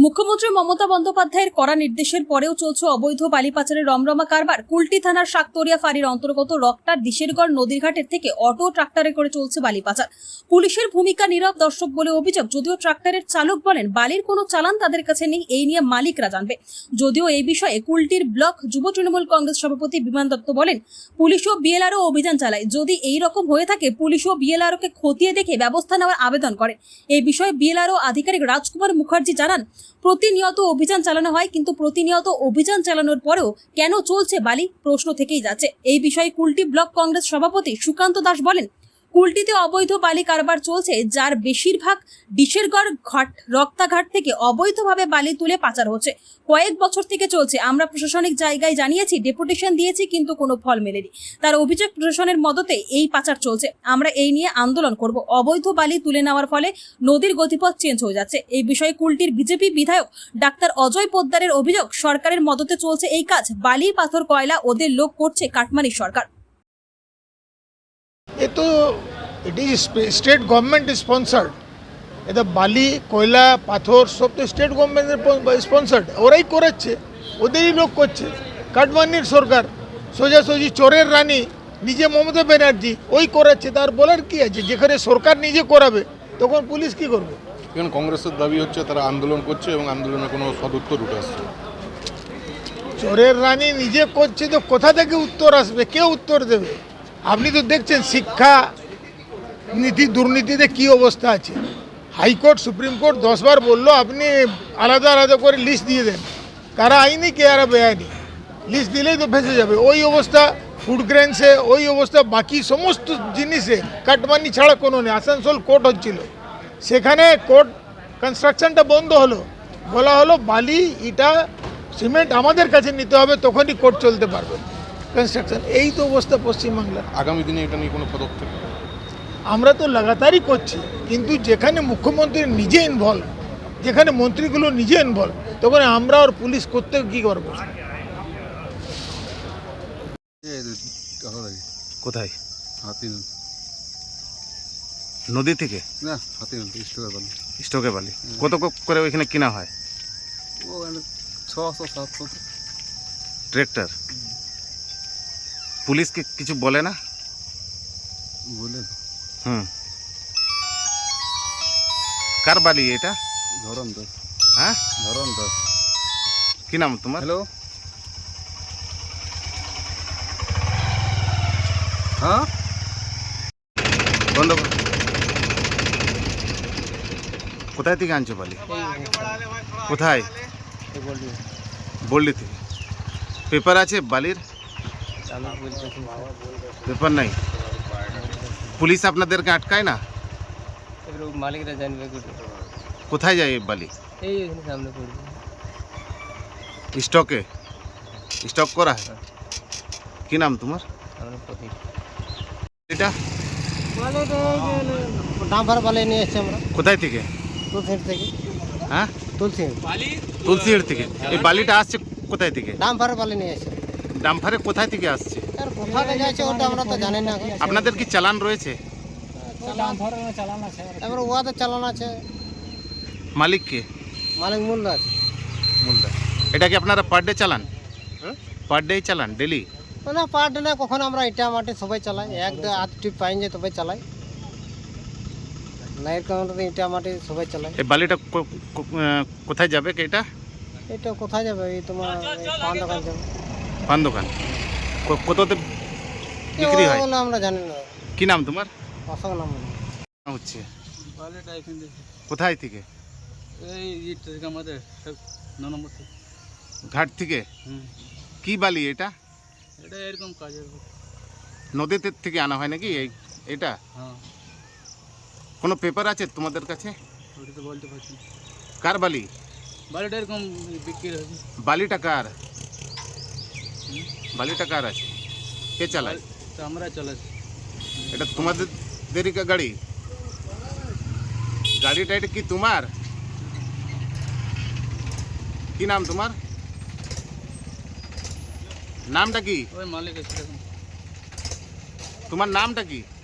মুখ্যমন্ত্রী মমতা বন্দ্যোপাধ্যায়ের কড়া নির্দেশের পরেও চলছে অবৈধ বালি পাচারের রমরমা কারবার। কুলটি থানার শাকতরিয়া ফাঁড়ির অন্তর্গত রক্তার দিশেরগড় নদীর ঘাটের থেকে অটো ট্রাক্টরে করে চলছে বালি পাচার। পুলিশের ভূমিকা নীরব দর্শক বলে অভিযোগ। যদিও ট্রাক্টরের চালক বলেন বালির কোনো চালান তাদের কাছে নেই, এই নিয়ে মালিকরা জানবে। যদিও এই বিষয়ে কুলটির ব্লক যুব তৃণমূল কংগ্রেস সভাপতি বিমান দত্ত বলেন, পুলিশ ও বিএলআরও অভিযান চালায়। যদি এই রকম হয়ে থাকে পুলিশ ও বিএলআরকে খতিয়ে দেখে ব্যবস্থা নেওয়ার আবেদন করে। এই বিষয়ে বিএলআরও আধিকারিক রাজকুমার মুখার্জি জানান, প্রতিনিয়ত অভিযান চালানো হয়, কিন্তু প্রতিনিয়ত অভিযান চালানোর পরেও কেন চলছে বালি প্রশ্ন থেকেই যাচ্ছে। এই বিষয়ে কুলটি ব্লক কংগ্রেস সভাপতি সুকান্ত দাস বলেন, কুলটিতে অবৈধ বালি কারবার চলছে, যার বেশিরভাগ ডিশেরগড় ঘাট রক্তাঘাট থেকে অবৈধভাবে বালি তুলে পাচার হচ্ছে। কয়েক বছর থেকে চলছে। আমরা প্রশাসনিক জায়গায় জানিয়েছি, ডেপুটেশন দিয়েছি, কিন্তু কোনো ফল মেলেনি। তার অভিযোগ প্রশাসনের মদতে এই পাচার চলছে। আমরা এই নিয়ে আন্দোলন করব। অবৈধ বালি তুলে নেওয়ার ফলে নদীর গতিপথ চেঞ্জ হয়ে যাচ্ছে। এই বিষয়ে কুলটির বিজেপি বিধায়ক ডাক্তার অজয় পোদ্দারের অভিযোগ, সরকারের মদতে চলছে এই কাজ। বালি পাথর কয়লা ওদের লোক করছে কাটমানির সরকার। ये तो it is state government sponsored. ये तो बाली कोयला पाथर सब तो स्टेट गवर्नमेंट स्पॉन्सर्ड। ওরাই করাচ্ছে, ওদেরই লোক করছে। কাটমানির সরকার সোজাসুজি চোরের রানী নিজে মমতা ব্যানার্জি ওই করাচ্ছে। তার বলার কি আছে? যেখানে সরকার নিজে করাবে তখন পুলিশ কি করবে? এখন কংগ্রেসের দাবি হচ্ছে তারা আন্দোলন করছে এবং আন্দোলনে কোনো সদুত্তর উঠে আসছে। চোরের রানী নিজে করছে তো কোথা থেকে উত্তর আসবে? কে উত্তর দেবে? আপনি তো দেখছেন শিক্ষা নীতি দুর্নীতিতে কি অবস্থা আছে। হাইকোর্ট সুপ্রিম কোর্ট 10 বার বললো আপনি আলাদা আলাদা করে লিস্ট দিয়ে দেন, কারা আইনি কে আর বেআইনি। লিস্ট দিলেই তো ফেসে যাবে। ওই অবস্থা ফুড গ্রেনসে, ওই অবস্থা বাকি সমস্ত জিনিসে কাটমানি ছাড়া কোনো নেই। আসানসোল কোর্ট হচ্ছিল, সেখানে কোর্ট কনস্ট্রাকশনটা বন্ধ হলো, বলা হলো বালি ইটা সিমেন্ট আমাদের কাছে নিতে হবে, তখনই কোর্ট চলতে পারবে কনস্ট্রাকশন। এই তো অবস্থা পশ্চিমবাংলার। আগামী দিনে এটা নিয়ে কোনো পদক্ষেপ? আমরা তো লাগাতারই করছি, কিন্তু যেখানে মুখ্যমন্ত্রী নিজে ইনভলভ, যেখানে মন্ত্রীগুলো নিজে ইনভলভ, তখন আমরা আর পুলিশ করতে কি করবো? কোথায়? হাতিল নদী থেকে না, হাতিল স্টোরের বালি। স্টকে বালি কত করে ওইখানে কিনা হয়? ওখানে 600-700 ট্রেক্টর। পুলিশকে কিছু বলে না? বলে কার বালি এটা? ধরন দাস। হ্যাঁ, ধরন দাস। কি নাম তোমার? হ্যালো, হ্যাঁ বন্ধ কর। কোথায় থেকে আনছো বালি? কোথায়? বললি থেকে। পেপার আছে বালির? পেপার নাই। পুলিশ আপনাদেরকে আটকায় না? মালিকরা জানবে কোথায় যায় এই বালি? এই সামনে পড়বে স্টকে। স্টক করা হয়। কি নাম তোমার? এটা ডাম্পার বালি নিয়ে এসেছি আমরা। কোথায় থেকে? তুলসির থেকে। হ্যাঁ, তুলসির থেকে। এই বালিটা আসছে কোথায় থেকে? ডাম্পার বালি নিয়ে এসেছি। ডাম্পারে কোথায় থেকে আসছে? আর কোথায় যাচ্ছে ওটা আমরা তো জানি না। আপনাদের কি চালান রয়েছে? এবার ওয়াদের চালান আছে। মালিক কে? মালিক মূল্য আছে। মুলদা। এটা কি আপনারা পার ডে চালান? পার ডে চালান? ডেলি? না, পার্ট না, কখন আমরা ইটা মাটি সবাই চালাই। এক আধ টিপ পাইন যে তবে চালাই। নাইট কাউন্টারে ইটা মাটি সবাই চালাই। এই বালিটা কোথায় যাবে? এটা এটা কোথায় যাবে? এই তোমার পান দোকান যাবে। পান দোকান। কততে বিক্রি হয়? ওগুলো আমরা জানি না। কি নাম তোমার? অসম নাম হচ্ছে বালিটা এখানে কোথায় থেকে? এই থেকে আমাদের 9 নম্বর থেকে। ঘাট থেকে? কি বালি এটা? এটা এরকম কাজের। নদীতে থেকে আনা হয় নাকি এটা? হ্যাঁ। কোনো পেপার আছে তোমাদের কাছে? ওটা তো বলতে পারছি না। কার বালি? বালিটা এরকম বিক্রি হবে। বালিটা কার? বালিটা কার আছে? কে চালায়? তো আমরা চালাই। এটা তোমাদেরই গাড়ি? গাড়িটা এটা কি তোমার? কি নাম তোমার? নামটা কি? ওই মালিক আছে। তোমার নামটা কি?